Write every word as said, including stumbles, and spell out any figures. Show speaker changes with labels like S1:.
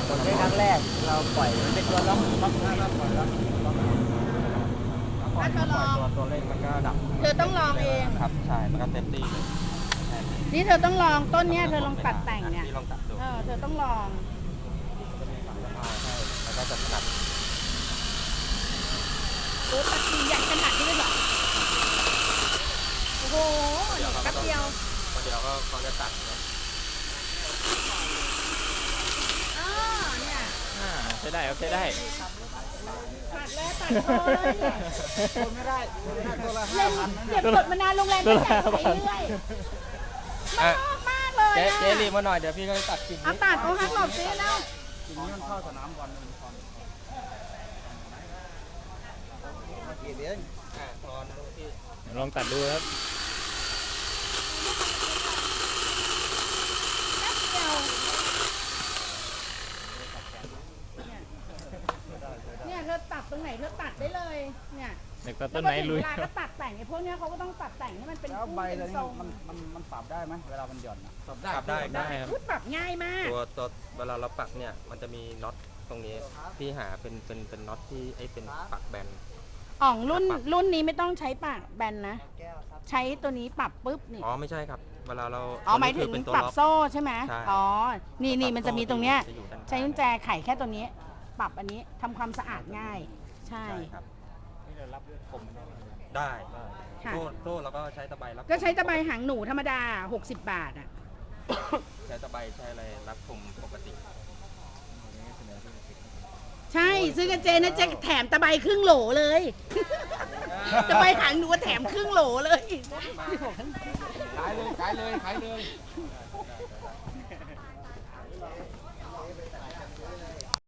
S1: ผมเป็นครั้งแรกเราปล่อยมันเป็นตัวล็อกล็อกหน้าล็อกปล่อยล็อกล็อกแล้วพอปล่อยตัวตัวเล็กมันก็ดับ
S2: เธอต้องลองเอง
S1: ครับใช่มันก็เต็มที่เลย
S2: นี่เธอต้องลองต้นเนี้ยเธอลองตัดแต่งเนี่ย
S1: ลองตัดดู
S2: เออเธอต้องลอง
S1: จะมีสายสะพายให้แล้วก็จะถนัด
S2: โอ้ตัดกิ่งใหญ่ขนาดนี้เลยเหรอโอ้โหนี่แป๊บเดียว
S1: พอเดี๋ยวก็เขาจะตัดนะ
S2: อ๋อเนี่ย
S1: อ่าใช้ได้ครับใช้ได้
S2: ตัดเลยตัดเลยเนี่ย
S1: คนไม่ได้ตัวละ
S2: เล่นเก็บกดมานานโรงแรมไม่จ่ายไปเรื่อยมันชอบมากเลย
S1: เจ๊
S2: อะ
S1: เจ๊รีบมาหน่อยเดี๋ยวพี่ก็จะตัดกิ่ง
S2: เอา
S1: นี้
S2: ตัดโอ้ฮักหลบซิแล้ว
S1: กิ่งนี้มันเข้าสนามบอลมันก่อนกี่เดือนอ่าตอนที่
S3: ลองตัดดูครับ
S2: แป๊บเดียวเนี่ยเธอตัดตรงไหนเธอตัดได้เลยเนี่ย
S3: เด็กตัดต้นไหนลุย
S2: เวลาก็ตัดแต่งไอ้พวกเนี้ยเขาก็ต้องตัดแต่งให้มันเป็น
S4: แล้ว
S2: พุ่ง
S4: ใบ
S2: เป็
S4: ตัวน นี้
S2: ทรง
S4: มันมันมันปรับได้ไหมเวลามันหย่อนอะ
S1: ปรับได้ได้
S3: ได้ครับ
S2: พูดปรับง่ายมาก
S1: ตัวตัวเวลาเราปักเนี่ยมันจะมีน็อตตรงนี้ที่หาเป็นเป็นเป็นน็อตที่ไอ้เป็นปักแบน
S2: อ่องรุ่นรุ่นนี้ไม่ต้องใช้ปากแบนนะ ใช้ตัวนี้ปรับปุ๊บนี่
S1: อ๋อไม่ใช่ครับ เวลาเรา
S2: อ๋อหมาย
S1: ตัว
S2: ถึ
S1: นี้
S2: ง
S1: คือเป็นตัว
S2: ปรับ
S1: ล็อก
S2: โซ่ใช่ไหม
S1: ใช่
S2: อ๋อ นี่นี่
S1: ปรับ
S2: มันจะมีตรงเนี้ย
S1: จะอยู่ด้าน
S2: ใช้กุญแจไขแค่ตัวนี้ ปรับอันนี้ทำความสะอาดง่าย ใช่
S1: ใช่ครับได้
S2: ค่ะ
S1: โซ่โซ่แล้วก็ใช้ตะไบรับ
S2: ก็ใช้ตะไบหางหนูธรรมดาหกสิบบาทอ่ะ
S1: ใช้ตะไบใช้อะไรรับคมปกติ
S2: ใช่ซื้อกับเจนะเจแถมตะไบครึ่งโหลเลย ตะไบหางหนูแถมครึ่งโหลเลย
S4: ขายเลยขายเลยขายเลย